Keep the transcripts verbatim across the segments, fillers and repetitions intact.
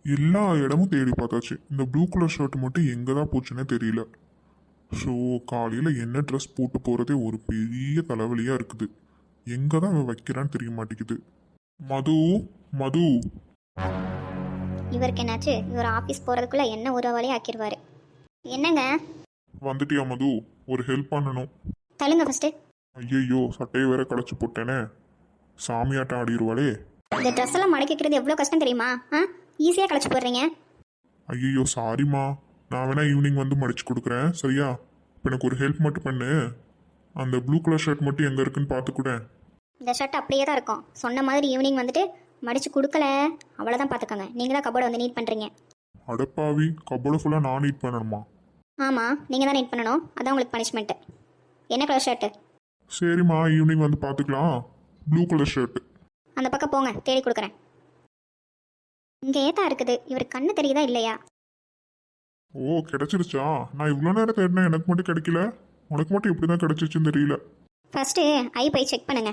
எல்லா இடமும் தேடி பார்த்தாச்சு. இந்த ப்ளூ கலர் ஷர்ட் மட்டும் எங்கே தான் போச்சுன்னே தெரியல. ஸோ காலையில் என்ன ட்ரெஸ் போட்டு போகிறதே ஒரு பெரிய தலைவலியாக இருக்குது. எங்கே தான் அவன் வைக்கிறான்னு தெரிய மாட்டேங்குது. மது, மது. இவருக்கு என்னாச்சு? இவர் ஆஃபீஸ் போகிறதுக்குள்ளே என்ன ஒரு வழியாக ஆக்கிடுவார். என்னங்க? வந்துட்டியா மது? ஒரு ஹெல்ப் பண்ணணும். தள்ளுங்க ஃபஸ்ட்டு. ஐயையோ, சட்டையை வேற களைச்சி போட்டேனே. சாமியாட்டம் ஆடிடுவாளே. இந்த ட்ரெஸ் எல்லாம் மடக்கிக்கிறது எவ்வளோ கஷ்டம் தெரியுமா? ஆ, ஈஸியாக களைச்சி போடுறீங்க. ஐயோ சாரிம்மா, நான் வேணா ஈவினிங் வந்து மடிச்சு கொடுக்குறேன், சரியா? இப்போ எனக்கு ஒரு ஹெல்ப் மட்டும் பண்ணு. அந்த ப்ளூ கலர் ஷர்ட் மட்டும் எங்கே இருக்குன்னு பார்த்துக்கூடேன். இந்த ஷர்ட் அப்படியே தான் இருக்கும். சொன்ன மாதிரி ஈவினிங் வந்துட்டு மடிச்சு கொடுக்கல, அவ்வளோதான் பார்த்துக்கோங்க. நீங்கள் தான் கபோர்டை வந்து நீட் பண்ணுறீங்க. அடப்பாவி, கபோர்டை ஃபுல்லாக நான் நீட் பண்ணணுமா? ஆமாம், நீங்கள் தான் நீட் பண்ணணும். அதான் உங்களுக்கு பனிஷ்மெண்ட்டு. என்ன கலர் ஷர்ட்டு? சரிம்மா, ஈவினிங் வந்து பார்த்துக்கலாம். Blue colour shirt. அந்த பக்கம் போங்க, தேடி கொடுக்குறேன். இங்கே ஏத்தா இருக்குது. இவர் கண்ணு தெரியுதா இல்லையா? ஓ, கிடைச்சிருச்சா? நான் இவ்வளோ நேரம் தேடினேன், எனக்கு மட்டும் கிடைக்கல. உனக்கு மட்டும் எப்படி தான் கிடைச்சிச்சுன்னு தெரியல. ஃபஸ்ட்டு ஐ போய் செக் பண்ணுங்க.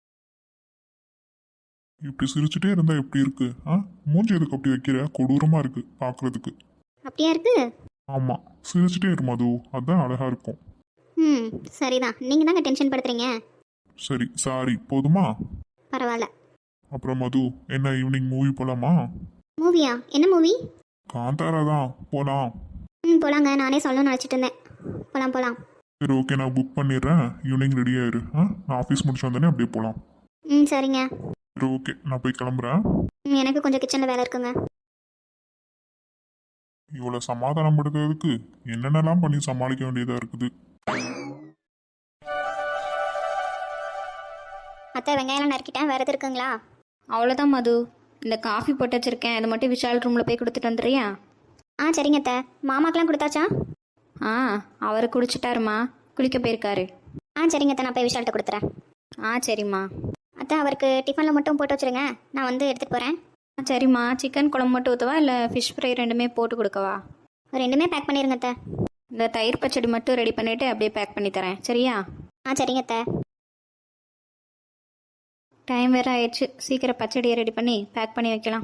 இப்படி சிரிச்சுட்டே இருந்தா எப்படி இருக்கு? ஆ, மூஞ்சி எதுக்கு அப்படி வைக்கிற? கொடூரமா இருக்கு பார்க்கறதுக்கு. அப்படியா இருக்கு? ஆமா, சிரிச்சுட்டே இரு மது, அதான் அழகா இருக்கும். ம், சரிதான். நீங்கள் தாங்க டென்ஷன் படுத்துறீங்க. சரி, சாரி, போதுமா? பரவாயில்ல. அப்புறம் மது, என்ன ஈவினிங் மூவி போலாமா? மூவியா? என்ன மூவி? காந்தாரா தான், போலாம். ம், போலாங்க. நானே சொல்லணும்னு நினச்சிட்டு இருந்தேன். போகலாம் போகலாம். சரி, ஓகே, நான் புக் பண்ணிடுறேன். ஈவினிங் ரெடி ஆயிரு. ஆ, நான் ஆஃபீஸ் முடிச்சு வந்தேனே அப்படியே போகலாம். ம், சரிங்க. சரி, ஓகே, நான் போய் கிளம்புறேன். ம், எனக்கு கொஞ்சம் கிச்சனில் வேலை இருக்குங்க. இவ்வளோ சமாதானப்படுத்துறதுக்கு என்னென்னலாம் பண்ணி சமாளிக்க வேண்டியதாக இருக்குது. அத்தை, வெங்காயம்லாம் நறுக்கிட்டேன். வேறு எது இருக்குங்களா? அவ்வளோதான் மது. இந்த காஃபி போட்டு வச்சுருக்கேன், அதை மட்டும் விஷால் ரூமில் போய் கொடுத்துட்டு வந்துடுறியா? ஆ, சரிங்க அத்தை. மாமாக்கெலாம் கொடுத்தாச்சா? ஆ, அவர் குடிச்சிட்டாருமா, குளிக்க போயிருக்காரு. ஆ, சரிங்க அத்தை. நான் போய் விஷால்கிட்ட கொடுத்துறேன். ஆ, சரிம்மா. அத்தை, அவருக்கு டிஃபனில் மட்டும் போட்டு வச்சுருங்க. நான் வந்து எடுத்துகிட்டு போகிறேன். ஆ, சரிம்மா. சிக்கன் குழம்பு மட்டும் ஊற்றவா இல்லை ஃபிஷ் ஃப்ரை ரெண்டுமே போட்டு கொடுக்கவா? ரெண்டுமே பேக் பண்ணிடுங்க அத்தை. இந்த தயிர் பச்சடி மட்டும் ரெடி பண்ணிவிட்டு அப்படியே பேக் பண்ணி தரேன், சரியா? ஆ, சரிங்க அத்தை. டைம் வேறு ஆயிடுச்சு, சீக்கிரம் பச்சடியை ரெடி பண்ணி பேக் பண்ணி வைக்கலாம்.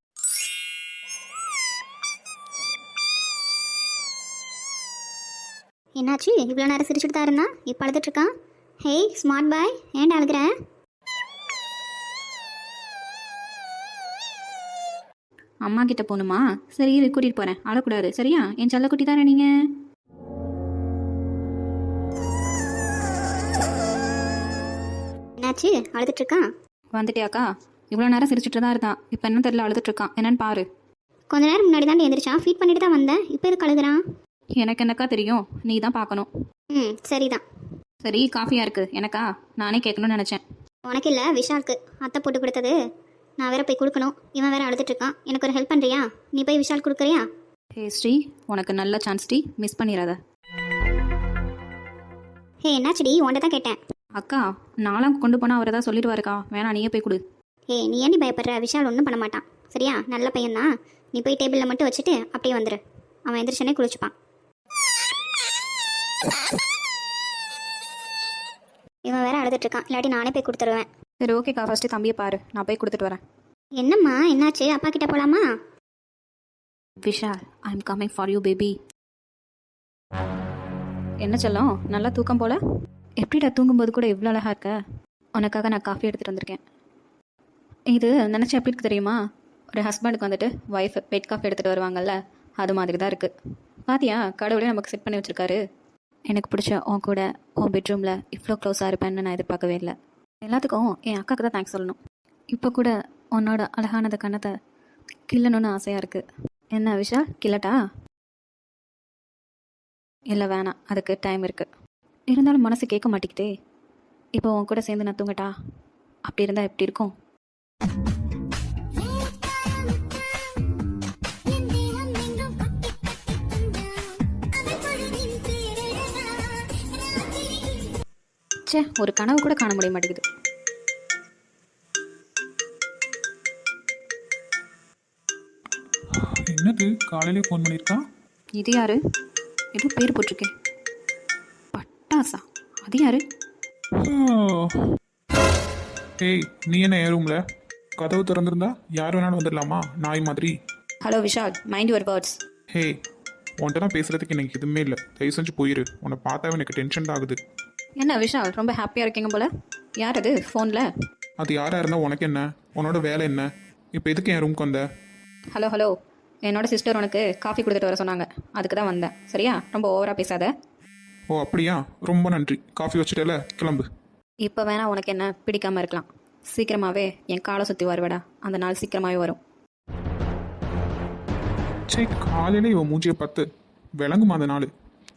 என்னாச்சு? இவ்வளோ நேரம் சிரிச்சுட்டு தான் இருந்தான், இப்போ அழுதுட்ருக்கான். ஹேய் ஸ்மார்ட் பாய், ஏன்டா அழுகிறேன்? அம்மா கிட்ட போகணுமா? சரி, இரு, கூட்டிகிட்டு போகிறேன். அழக்கூடாது, சரியா? என் செல்ல குட்டி தானே நீங்கள். என்னாச்சு? அழுதுட்ருக்கான். வந்துட்டியாக்கா? இவ்வளோ நேரம் சிரிச்சுட்டு தான் இருந்தான், இப்போ என்ன தெரியல, அழுதுட்ருக்கான். என்னன்னு பாரு. கொஞ்ச நேரம் முன்னாடி தான் எழுந்திரிச்சான். ஃபீட் பண்ணிட்டு தான் வந்தேன். இப்போ எதுக்கு அழுகுறான்? எனக்கு என்னக்கா தெரியும், நீ தான் பார்க்கணும். ம், சரிதான். சரி, காஃபியாக இருக்குது. எனக்கா? நானே கேட்கணும்னு நினச்சேன். உனக்கு இல்லை, விஷாலுக்கு. அத்தை போட்டு கொடுத்தது. நான் வேற போய் கொடுக்கணும். இவன் வேற அழுதுட்ருக்கான். எனக்கு ஒரு ஹெல்ப் பண்ணுறியா? நீ போய் விஷால் கொடுக்குறியா? ஹே ஸ்ரீ, உனக்கு நல்ல சான்ஸ் டி, மிஸ் பண்ணிடாத. ஹே, என்னாச்சுடி? உன்ட்ட தான் கேட்டேன். அக்கா, நாளாம் கொண்டு போனால் அவர் ஏதாவது சொல்லிடுவாருக்கா. வேணா, நீயே போய் கொடு. ஹே, நீ ஏன் பயப்படுற? விஷால் ஒன்றும் பண்ண மாட்டான், சரியா? நல்ல பையன்தான். நீ போய் டேபிளில் மட்டும் வச்சுட்டு அப்படியே வந்துடு. அவன் எந்திரிச்சனே குளிச்சுப்பான். இவன் வேற அழுதுட்ருக்கான். இல்லாட்டி நானே போய் கொடுத்துருவேன். சரி, ஓகேக்கா. ஃபஸ்ட்டு தம்பியை பாரு, நான் போய் கொடுத்துட்டு வரேன். என்னம்மா, என்னாச்சு? அப்பா கிட்ட போகலாமா? Vishal, I am coming for you baby. என்ன சொல்லும், நல்லா தூக்கம் போல? எப்படிடா தூங்கும்போது கூட இவ்வளோ அழகாக இருக்க? உனக்காக நான் காஃபி எடுத்துகிட்டு வந்திருக்கேன். இது நினச்சி எப்படி இருக்கு தெரியுமா? ஒரு ஹஸ்பண்டுக்கு வந்துட்டு ஒய்ஃப் பெட் காஃபி எடுத்துகிட்டு வருவாங்கல்ல, அது மாதிரி தான் இருக்குது. பாத்தியா, கடவுளே நமக்கு செட் பண்ணி வச்சுருக்காரு. எனக்கு பிடிச்ச உன் கூட உன் பெட்ரூமில் இவ்வளோ க்ளோஸாக இருப்பேன்னு நான் எதிர்பார்க்கவே இல்லை. எல்லாத்துக்கும் என் அக்காவுக்கு தான் தேங்க்ஸ் சொல்லணும். இப்போ கூட உன்னோட அழகானத கண்ணத்தை கிள்ளணும்னு ஆசையாக இருக்குது. என்ன விஷால், கிள்ளட்டா? இல்லை, வேணாம், அதுக்கு டைம் இருக்குது. இருந்தாலும் மனசு கேட்க மாட்டேங்குதே. இப்போ உன் கூட சேர்ந்து நான் தூங்கட்டா? அப்படி இருந்தால் எப்படி இருக்கும்? சே, ஒரு கனவு கூட காண முடிய மாட்டேங்குது. என்னது, காலையிலே ஃபோன் பண்ணியிருக்கான்? இது யாரு? ஏதோ பேர் போட்டிருக்கேன். பட்டாசா? அது யாரு? ஏய், நீ என்ன என் ரூமில்? கதவு திறந்துருந்தா யார் வேணாலும் வந்துடலாமா? நாய் மாதிரி. Hello Vishal, mind your words. Hey, உன்கிட்ட தான் பேசுகிறதுக்கு எனக்கு எதுவுமே இல்லை. தயவு செஞ்சு போயிரு. உன்னை பார்த்தாவே எனக்கு டென்ஷன் தான் ஆகுது. என்ன விஷால், ரொம்ப ஹாப்பியாக இருக்கீங்க போல? யார் அது ஃபோனில்? அது யாராக இருந்தால் உனக்கு என்ன? உன்னோட வேலை என்ன? இப்போ எதுக்கு என் ரூம்க்கு வந்த? ஹலோ ஹலோ, என்னோட சிஸ்டர் உனக்கு காஃபி கொடுத்துட்டு வர சொன்னாங்க, அதுக்கு தான் வந்தேன். சரியா, ரொம்ப ஓவராக பேசாத. ஓ அப்படியா, ரொம்ப நன்றி. காஃபி வச்சுட்டல, கிளம்பு. இப்போ வேணா உனக்கு என்ன பிடிக்காமல் இருக்கலாம். சீக்கிரமாகவே என் காலை சுற்றி வருவேடா, அந்த நாள் சீக்கிரமாகவே வரும். சே, காலையில் இவன் மூஞ்சியை பார்த்து விளங்குமா அந்த நாள்?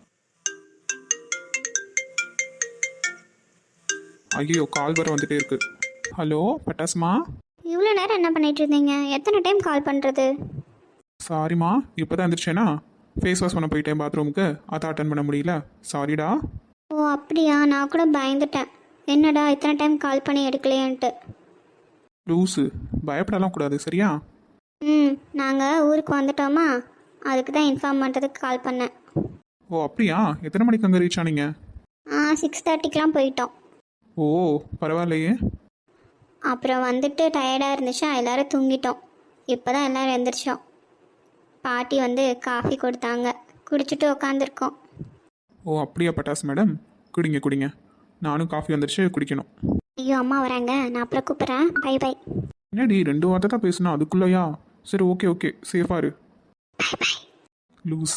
ஐயோ, கால் வர வந்துட்டே இருக்கு. ஹலோ பட்டாசுமா. இவ்வளோ நேரம் என்ன பண்ணிட்டு இருந்தீங்க? எத்தனை டைம் கால் பண்ணுறது? சாரிம்மா, இப்போ தான் எந்திரிச்சேனா, ஃபேஸ் வாஷ் பண்ண போயிட்டேன் பாத்ரூமுக்கு, அதை அட்டன் பண்ண முடியல. சாரிடா. ஓ அப்படியா, நான் கூட பயந்துட்டேன். என்னடா இத்தனை டைம் கால் பண்ணி எடுக்கலையேன்ட்டு. லூஸு, பயப்படலாம் கூடாது சரியா? ம் நாங்கள் ஊருக்கு வந்துட்டோமா, அதுக்கு தான் இன்ஃபார்ம் பண்ணுறதுக்கு கால் பண்ணேன். ஓ அப்படியா, எத்தனை மணிக்கு அங்கே ரீச் ஆனீங்க? ஆ சிக்ஸ் தேர்ட்டிக்கெலாம் போயிட்டோம். ஓ பரவாயில்லையே. அப்புறம் வந்துட்டு டயர்டாக இருந்துச்சா, எல்லோரும் தூங்கிட்டோம். இப்போ தான் எல்லோரும் எழுந்திரிச்சோம். பாட்டி வந்து காஃபி கொடுத்தாங்க, குடிச்சிட்டு உக்காந்துருக்கோம். ஓ அப்படியா பட்டாஸ் மேடம், குடிங்க குடிங்க. நானும் காஃபி வந்துடுச்சு, குடிக்கணும். ஐயோ அம்மா வராங்க, நான் அப்புறம் கூப்பிட்றேன். Bye bye. என்னடி ரெண்டு வார்த்தை தான் பேசுனா அதுக்குள்ளயா? சரி ஓகே ஓகே, சேஃபாக இரு. லூஸ்.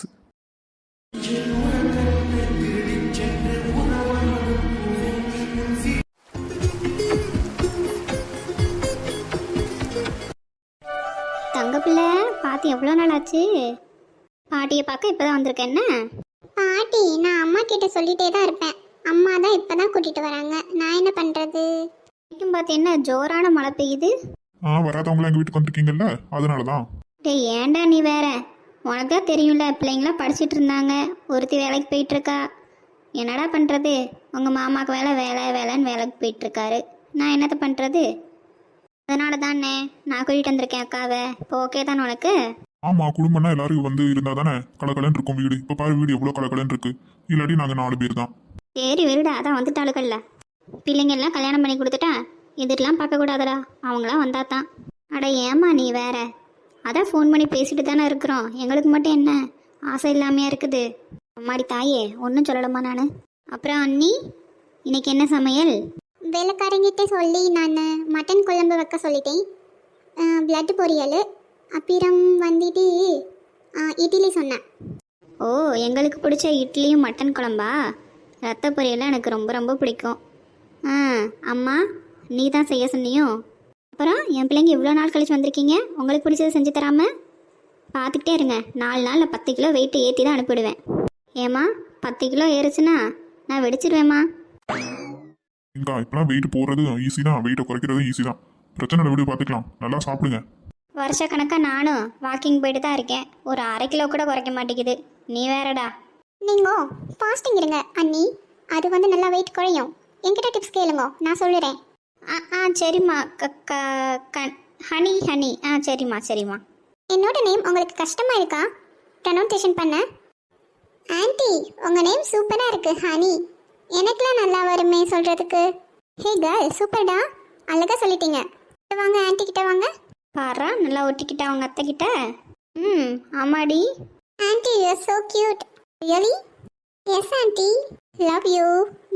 தங்க பிள்ளை பாட்டி எவ்வளோ நாள் ஆச்சு? பாட்டியை பார்க்க இப்போ தான் வந்திருக்கேன். என்ன பாட்டி, நான் அம்மா கிட்ட சொல்லிட்டே தான் இருப்பேன். அம்மா தான் இப்போ தான் கூட்டிகிட்டு வராங்க. நான் என்ன பண்ணுறது? வரைக்கும் பார்த்து என்ன ஜோரான மழை பெய்யுது? ஆ வராதவங்களாம் எங்கள் வீட்டுக்கு வந்திருக்கீங்கல்ல, அதனால தான். டேய் ஏன்டா நீ வேற, உனக்கு தான் தெரியும்ல, பிள்ளைங்களாம் படிச்சுட்டு இருந்தாங்க, ஒருத்தி வேலைக்கு போயிட்டுருக்கா. என்னடா பண்ணுறது? உங்கள் மாமாவுக்கு வேலை வேலை வேலைன்னு வேலைக்கு போயிட்டுருக்காரு. நான் என்னத்தை பண்ணுறது? அதனால தானே நான் கூட்டிகிட்டு வந்திருக்கேன் அக்காவை. இப்போ ஓகே தானே உனக்கு? ஆமாம், குடும்பம்னா எல்லாரும் வந்து இருந்தால் தானே கலக்கலன்னு இருக்கும் வீடு. இப்போ பாரு வீடு எவ்வளோ கலக்கலன்னு இருக்கு. இல்லாட்டி நாங்கள் நாலு பேர் தான். சரி விருடா, அதான் வந்துட்டாளுக்கல்ல. பிள்ளைங்கெல்லாம் கல்யாணம் பண்ணி கொடுத்துட்டா இதெல்லாம் பார்க்கக்கூடாதடா, அவங்களாம் வந்தா தான். அட ஏம்மா நீ வேற, அதான் ஃபோன் பண்ணி பேசிட்டு தானே இருக்கிறோம். எங்களுக்கு மட்டும் என்ன ஆசை இல்லாமையா இருக்குது? அம்மாடி தாயே, ஒன்றும் சொல்லலம்மா நான். அப்புறம் அண்ணி, இன்னைக்கு என்ன சமையல்? வேலைக்காரங்கிட்ட சொல்லி நான் மட்டன் குழம்பு வைக்க சொல்லிட்டேன். பிளட் பொரியல், அப்புறம் வந்துட்டு ஆ, இட்லி சொன்னேன். ஓ எங்களுக்கு பிடிச்ச இட்லியும் மட்டன் குழம்பா? ரத்த பொரியலாம் எனக்கு ரொம்ப ரொம்ப பிடிக்கும். ஆ அம்மா, நீ தான் செய்ய சொன்னியோ? அப்புறம் என் பிள்ளைங்க இவ்வளோ நாள் கழிச்சு வந்திருக்கீங்க, உங்களுக்கு பிடிச்சதை செஞ்சு தராமல் பார்த்துக்கிட்டே இருங்க. நாலு நாளில் பத்து கிலோ வெயிட்டு ஏற்றி தான் அனுப்பிடுவேன். ஏம்மா, பத்து கிலோ ஏறுச்சுன்னா நான் வெடிச்சிருவேம்மா. இங்கா இப்போலாம் வெயிட் போடுறது ஈஸி தான், வெயிட்டை குறைக்கிறது ஈஸி தான். பிரச்சனை இல்லை, வீடு பார்த்துக்கலாம். நல்லா சாப்பிடுங்க. வருஷ கணக்காக நானும் வாக்கிங் போயிட்டு தான் இருக்கேன், ஒரு அரை கிலோ கூட குறைக்க மாட்டேங்குது. நீ வேறடா. நீங்கள் ஃபாஸ்டிங் இருங்க அண்ணி, அது வந்து நல்லா வெயிட் குறையும். என்கிட்ட டிப்ஸ் கேளுங்க, நான் சொல்லுறேன். ஆ ஆ சரிம்மா. க க க ஹனி ஹனி ஆ சரிம்மா சரிம்மா. என்னோட நேம் உங்களுக்கு கஷ்டமாக இருக்கா ப்ரனவுன்சேஷன் பண்ண? ஆன்ட்டி, உங்கள் நேம் சூப்பராக இருக்குது ஹனி. எனக்குலாம் நல்லா வருமே சொல்கிறதுக்கு. ஹே கேர்ள், சூப்பர்டா, அழகாக சொல்லிட்டீங்க. கிட்ட வாங்க ஆன்ட்டி, கிட்ட வாங்க. பாரா, நல்லா ஒட்டிக்கிட்டா அவங்க அத்தை கிட்ட. ம் ஆமாடி. Aunty, you are so cute. Really? Yes aunty, love you.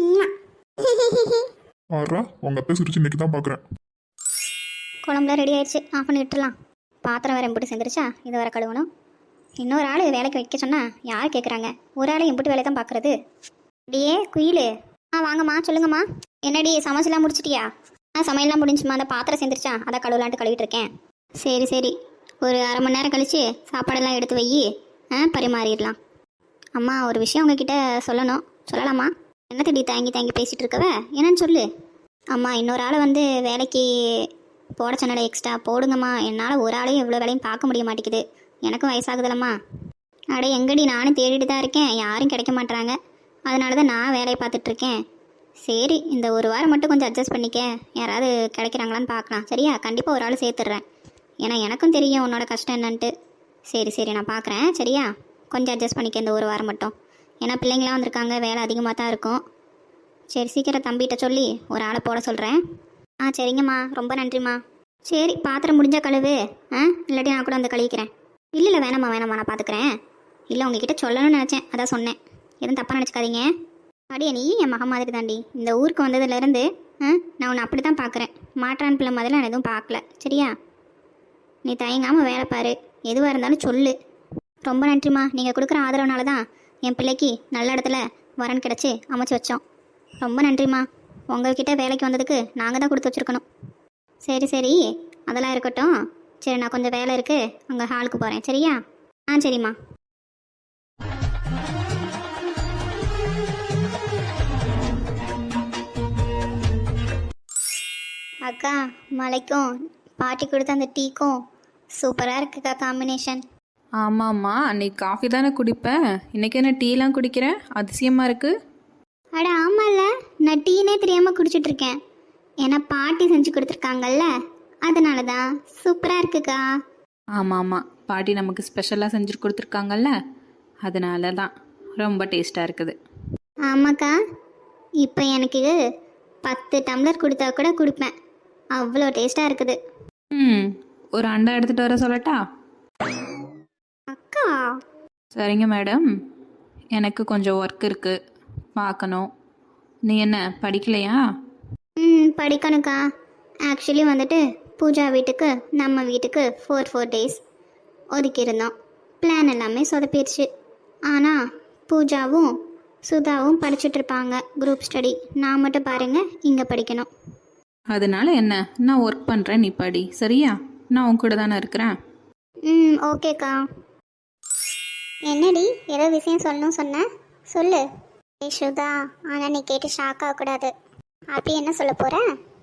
ஆறா உங்கள் அத்தை சிரிச்சு இன்னைக்கு தான் பார்க்குறேன். குழம்புலாம் ரெடி ஆயிடுச்சு, ஆஃப் பண்ணி விட்டுலாம். பாத்திரம் வேறு எம்பிட்டு செஞ்சிருச்சா, இதை வேறு கழுவணும். இன்னொரு ஆள் வேலைக்கு வைக்க சொன்னால் யார் கேட்குறாங்க? ஒரு ஆள் எம்பிட்டு வேலை தான் பார்க்குறது. அப்படியே குயிலு, ஆ வாங்கம்மா, சொல்லுங்கம்மா. என்னடி சமைச்சலாம் முடிச்சிட்டியா? ஆ சமையல்லாம் முடிஞ்சுமா, அந்த பாத்திரம் செஞ்சிருச்சா, அதை கழுவலான்ட்டு கழுவிட்டு இருக்கேன். சரி சரி, ஒரு அரை மணி நேரம் கழித்து சாப்பாடெல்லாம் எடுத்து வை, ஆ பரிமாறிடலாம். அம்மா, ஒரு விஷயம் உங்ககிட்ட சொல்லணும். சொல்லலாமா? என்ன திடீர் தாங்கி தாங்கி பேசிகிட்டு இருக்கவ, என்னன்னு சொல்லு. அம்மா, இன்னொரு ஆளை வந்து வேலைக்கு போட சொன்னல, எக்ஸ்ட்ரா போடுங்கம்மா. என்னால் ஒரு ஆளையும் இவ்வளோ வேலையும் பார்க்க முடிய மாட்டேங்குது, எனக்கும் வயசாகுதுலம்மா. அடே எங்கடி, நானும் தேடிட்டு தான் இருக்கேன், யாரும் கிடைக்க மாட்டுறாங்க. அதனால தான் நான் வேலையை பார்த்துட்ருக்கேன். சரி, இந்த ஒரு வாரம் மட்டும் கொஞ்சம் அட்ஜஸ்ட் பண்ணிக்க, யாராவது கிடைக்கிறாங்களான்னு பார்க்கலாம். சரியா? கண்டிப்பாக ஒரு ஆள் சேர்த்துட்றேன், ஏன்னா எனக்கும் தெரியும் உன்னோட கஷ்டம் என்னன்ட்டு. சரி சரி, நான் பார்க்குறேன். சரியா? கொஞ்சம் அட்ஜஸ்ட் பண்ணிக்க இந்த ஒரு வாரம் மட்டும், ஏன்னா பிள்ளைங்களாம் வந்திருக்காங்க, வேலை அதிகமாக தான் இருக்கும். சரி, சீக்கிரம் தம்பிகிட்ட சொல்லி ஒரு ஆளை போட சொல்கிறேன். ஆ சரிங்கம்மா, ரொம்ப நன்றிம்மா. சரி, பாத்திரம் முடிஞ்சால் கழுவு, ஆ இல்லாட்டி நான் கூட வந்து கழுவிக்கிறேன். இல்லை இல்லை வேணாம்மா வேணாம்மா நான் பார்த்துக்கிறேன். இல்லை உங்ககிட்ட சொல்லணும்னு நினச்சேன், அதான் சொன்னேன். எதுவும் தப்பாக நினச்சிக்காதீங்க. அடியே நீ என் மகன் மாதிரி தாண்டி. இந்த ஊருக்கு வந்ததுலேருந்து நான் உன்னை அப்படி தான் பார்க்குறேன். மாற்றான் பிள்ளை மாதிரி நான் எதுவும் பார்க்கல, சரியா? நீ தயங்காமல் வேலை பாரு, எதுவாக இருந்தாலும் சொல்லு. ரொம்ப நன்றிம்மா. நீங்கள் கொடுக்குற ஆதரவுனால தான் என் பிள்ளைக்கு நல்ல இடத்துல வரன் கிடச்சி அமைச்சு வச்சோம். ரொம்ப நன்றிம்மா. உங்கள்கிட்ட வேலைக்கு வந்ததுக்கு நாங்கள் தான் கொடுத்து வச்சுருக்கணும். சரி சரி அதெல்லாம் இருக்கட்டும். சரி நான் கொஞ்சம் வேலை இருக்குது, அங்கே ஹாலுக்கு போகிறேன், சரியா? ஆ சரிம்மா. அக்கா மலைக்கும் பாட்டி கொடுத்த அந்த டீக்கும் சூப்பராக இருக்குக்கா காம்பினேஷன். ஆமாம்மா, அன்னைக்கு காஃபி தானே குடிப்பேன், இன்றைக்கி என்ன டீலாம் குடிக்கிறேன், அதிசயமாக இருக்குது. அட ஆமாம்ல, நான் டீனே தெரியாமல் குடிச்சிட்ருக்கேன். ஏன்னா பாட்டி செஞ்சு கொடுத்துருக்காங்கல்ல, அதனால தான் சூப்பராக இருக்குக்கா. ஆமாம் ஆமாம், பாட்டி நமக்கு ஸ்பெஷலாக செஞ்சு கொடுத்துருக்காங்கல்ல, அதனால தான் ரொம்ப டேஸ்ட்டாக இருக்குது. ஆமாக்கா, இப்போ எனக்கு பத்து டம்ளர் கொடுத்தா கூட கொடுப்பேன், அவ்வளோ டேஸ்ட்டாக இருக்குது. ம், ஒரு அண்டா எடுத்துகிட்டு வர சொல்லட்டா? அக்கா சரிங்க மேடம், எனக்கு கொஞ்சம் ஒர்க் இருக்குது, பார்க்கணும். நீ என்ன படிக்கலையா? ம் படிக்கணுக்கா. ஆக்சுவலி வந்துட்டு பூஜா வீட்டுக்கு நம்ம வீட்டுக்கு ஃபோர் ஃபோர் டேஸ் ஒதுக்கியிருந்தோம். பிளான் எல்லாமே சொதப்பிடுச்சு. ஆனால் பூஜாவும் சுதாவும் படிச்சுட்ருப்பாங்க குரூப் ஸ்டடி. நான் மட்டும் பாருங்கள் இங்கே படிக்கணும். அதனால என்ன, நான் ஒர்க் பண்ணுறேன், நீ படி, சரியா? நான் உன் கூட தானே இருக்கிறேன். ம் ஓகேக்கா. என்னடி ஏதோ விஷயம் சொல்லணும் சொன்ன, சொல்லு. ஏய் சுதா, ஆனால் நீ கேட்டு ஷாக் ஆகக்கூடாது. அப்படி என்ன சொல்ல போகிற?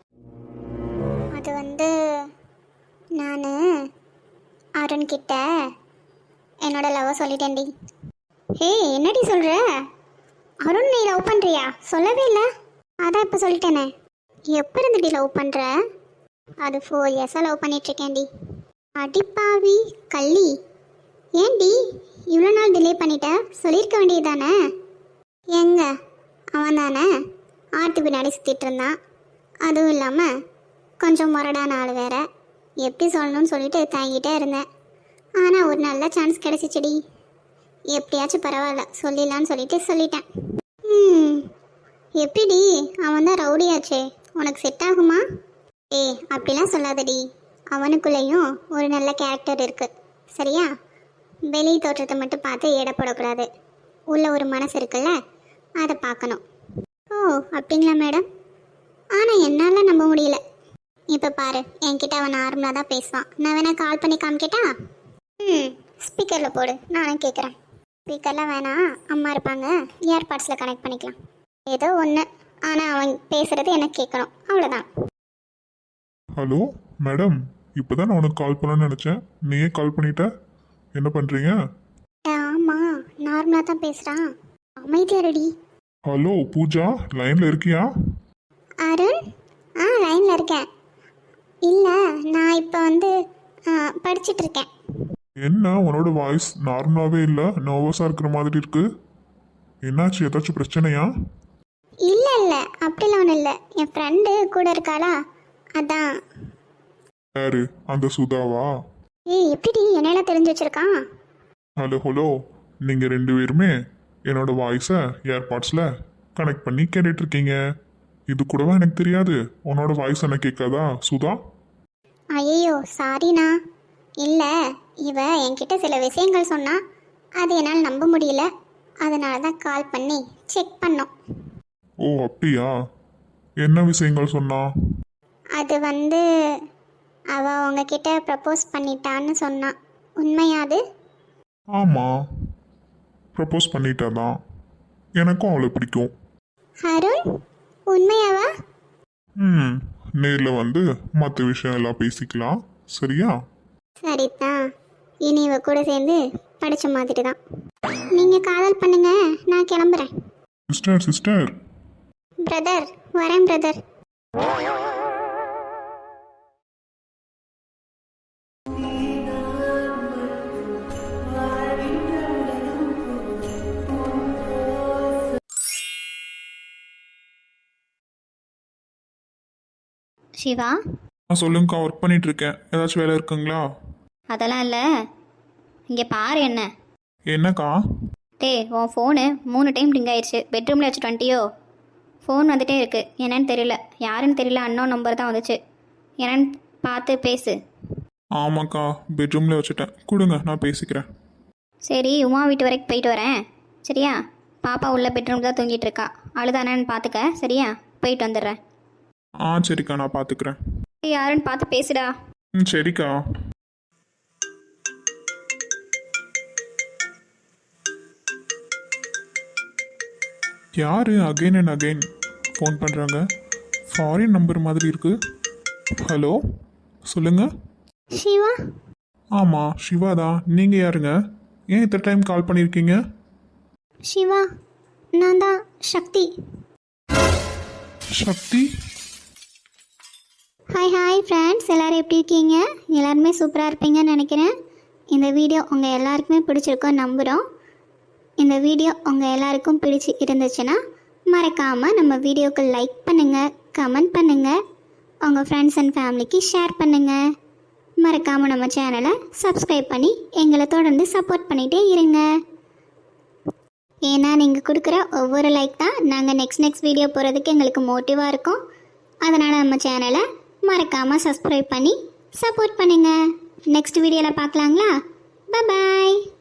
அது வந்து நான் அருண்கிட்ட என்னோட லவ்வை சொல்லிட்டேன்டி. ஏய் என்னடி சொல்கிற? அருண் நீ லவ் பண்ணுறியா? சொல்லவே இல்லை. அதான் இப்போ சொல்லிட்டேனே. எப்போ இருந்துடி லவ் பண்ணுற? அது ஃபோர் இயர்ஸாக லவ் பண்ணிகிட்ருக்கேன்டி. அடிப்பாவி கள்ளி, ஏன்டி இவ்வளோ நாள் டிலே பண்ணிட்ட? சொல்லியிருக்க வேண்டியது தானே. எங்க அவன் தானே ஆட்டு பின்னாடி சுற்றிட்டு இருந்தான். அதுவும் இல்லாமல் கொஞ்சம் முரடான ஆள் வேற. எப்படி சொல்லணும்னு சொல்லிட்டு தாங்கிட்டே இருந்தேன். ஆனால் ஒரு நல்ல சான்ஸ் கிடச்சிச்சிடி. எப்படியாச்சும் பரவாயில்ல சொல்லிடலான்னு சொல்லிட்டு சொல்லிட்டேன். ம் எப்படிடி, அவன் தான் ரவுடியாச்சே, உனக்கு செட் ஆகுமா? ஏய் அப்படிலாம் சொல்லாதடி. அவனுக்குள்ளேயும் ஒரு நல்ல கேரக்டர் இருக்குது, சரியா? வெளி தோற்றத்தை மட்டும் பார்த்து எடை போடக்கூடாது. உள்ள ஒரு மனசு இருக்குல்ல, அதை பார்க்கணும். ஓ அப்படிங்களா மேடம்? ஆனால் என்னால் நம்ப முடியல. இப்போ பாரு, என்கிட்ட அவன் நார்மலாக தான் பேசுவான். நான் வேணா கால் பண்ணி காமிக்கிட்டா? ம் ஸ்பீக்கரில் போடு, நானும் கேட்குறேன். ஸ்பீக்கரில் வேணாம், அம்மா இருப்பாங்க, இயர்பாட்ஸில் கனெக்ட் பண்ணிக்கலாம். ஏதோ ஒன்று, ஆனால் அவன் பேசுகிறது எனக்கு கேட்கணும், அவ்வளோதான். ஹலோ மேடம், இப்போ தான் நான் உனக்கு கால் பண்ணணும்னு நினச்சேன், நீயே கால் பண்ணிட்ட. என்ன பண்ணுறீங்க? ஆமாம் நார்மலாக தான் பேசுகிறான், அமைதியா ரெடி. ஹலோ பூஜா, லைனில் இருக்கியா? அருண், ஆ லைனில் இருக்கேன். இல்லை நான் இப்போ வந்து படிச்சுட்டு இருக்கேன். என்ன உன்னோட வாய்ஸ் நார்மலாகவே இல்லை, நர்வஸாக இருக்கிற மாதிரி இருக்கு. என்னாச்சு, ஏதாச்சும் பிரச்சனையா? இல்லை இல்லை அப்படிலாம் ஒன்றும் இல்லை. என் ஃப்ரெண்டு கூட இருக்காளா, அதான். யாரு, அந்த சுதாவா? ஏய் எப்படி என்னெல்லாம் தெரிஞ்சு வச்சிருக்கான்? ஹலோ ஹலோ, நீங்கள் ரெண்டு பேருமே என்னோட வாய்ஸை ஏர்பாட்ஸில் கனெக்ட் பண்ணி கேட்டுட்டு இருக்கீங்க. இது கூடவா எனக்கு தெரியாது? உன்னோட வாய்ஸ் என்ன கேட்காதா சுதா? ஐயோ சாரிண்ணா. இல்லை இவ என்கிட்ட சில விஷயங்கள் சொன்னா, அது என்னால் நம்ப முடியல, அதனால தான் கால் பண்ணி செக் பண்ணோம். ஓ அப்படியா, என்ன விஷயங்கள் சொன்னா? அது வந்து அவ உங்ககிட்ட ப்ரப்போஸ் பண்ணிட்டான்னு சொன்னான், உண்மையாது? ஆமாம், ப்ரப்போஸ் பண்ணிட்டாதான். எனக்கும் அவளை பிடிக்கும். அருண் உண்மையாவா? ம் நேரில் வந்து மற்ற விஷயம் எல்லாம் பேசிக்கலாம், சரியா? சரிதான், இனி இவ கூட சேர்ந்து படித்த மாதிரி தான். நீங்கள் காதல் பண்ணுங்க, நான் கிளம்புறேன். சிஸ்டர் சிஸ்டர் பிரதர் வரேன் பிரதர். சிவா, நான் சொல்லுங்கக்கா, ஒர்க் பண்ணிட்டு இருக்கேன். ஏதாச்சும் வேலை இருக்குங்களா? அதெல்லாம் இல்லை. இங்கே பாரு என்ன. என்னக்கா? டேய் உன் ஃபோனு மூணு டைம் ரிங் ஆயிடுச்சு. பெட்ரூமில் வச்சுட்டு வந்துட்டியோ? ஃபோன் வந்துட்டே இருக்கு, என்னன்னு தெரியல, யாருன்னு தெரியல, அன்னோன் நம்பர் தான் வந்துச்சு. என்னன்னு பார்த்து பேசு. ஆமாக்கா, பெட்ரூமில் வச்சுட்டேன். கொடுங்க, நான் பேசிக்கிறேன். சரி, உமா வீட்டு வரைக்கும் போயிட்டு வரேன், சரியா? பாப்பா உள்ள பெட்ரூம் தான் தூங்கிட்டு இருக்கா, அழுதானேன்னு பார்த்துக்க, சரியா? போயிட்டு வந்துடுறேன். ஆ சரிக்கா, நான் பார்த்துக்கிறேன். ஏய், யாருன்னு பார்த்து பேசுடா. ம் சரிக்கா. யார் அகைன் அண்ட் அகைன் ஃபோன் பண்ணுறாங்க? ஃபாரின் நம்பர் மாதிரி இருக்கு. ஹலோ, சொல்லுங்க. சிவா, ஆமாம், சிவா தான். நீங்கள் யாருங்க? ஏன் இத்தனை டைம் கால் பண்ணியிருக்கீங்க? சிவா, நான் தான் Sakthi. Sakthi? Hi hi friends, எல்லோரும் எப்படி இருக்கீங்க? எல்லாருமே சூப்பராக இருப்பீங்கன்னு நினைக்கிறேன். இந்த வீடியோ உங்கள் எல்லாருக்குமே பிடிச்சிருக்கோன்னு நம்புகிறோம். இந்த வீடியோ உங்கள் எல்லாருக்கும் பிடிச்சி இருந்துச்சுன்னா மறக்காமல் நம்ம வீடியோக்கு லைக் பண்ணுங்கள், கமெண்ட் பண்ணுங்கள், உங்கள் ஃப்ரெண்ட்ஸ் அண்ட் ஃபேமிலிக்கு ஷேர் பண்ணுங்கள். மறக்காமல் நம்ம சேனலை சப்ஸ்கிரைப் பண்ணி எங்களை தொடர்ந்து சப்போர்ட் பண்ணிகிட்டே இருங்க. ஏன்னா நீங்கள் கொடுக்குற ஒவ்வொரு லைக் தான் நாங்கள் நெக்ஸ்ட் நெக்ஸ்ட் வீடியோ போகிறதுக்கு எங்களுக்கு மோட்டிவாக இருக்கும். அதனால் நம்ம சேனலை மறக்காமல் சப்ஸ்கிரைப் பண்ணி சப்போர்ட் பண்ணுங்கள். நெக்ஸ்ட் வீடியோவில் பார்க்கலாங்களா? பாய்.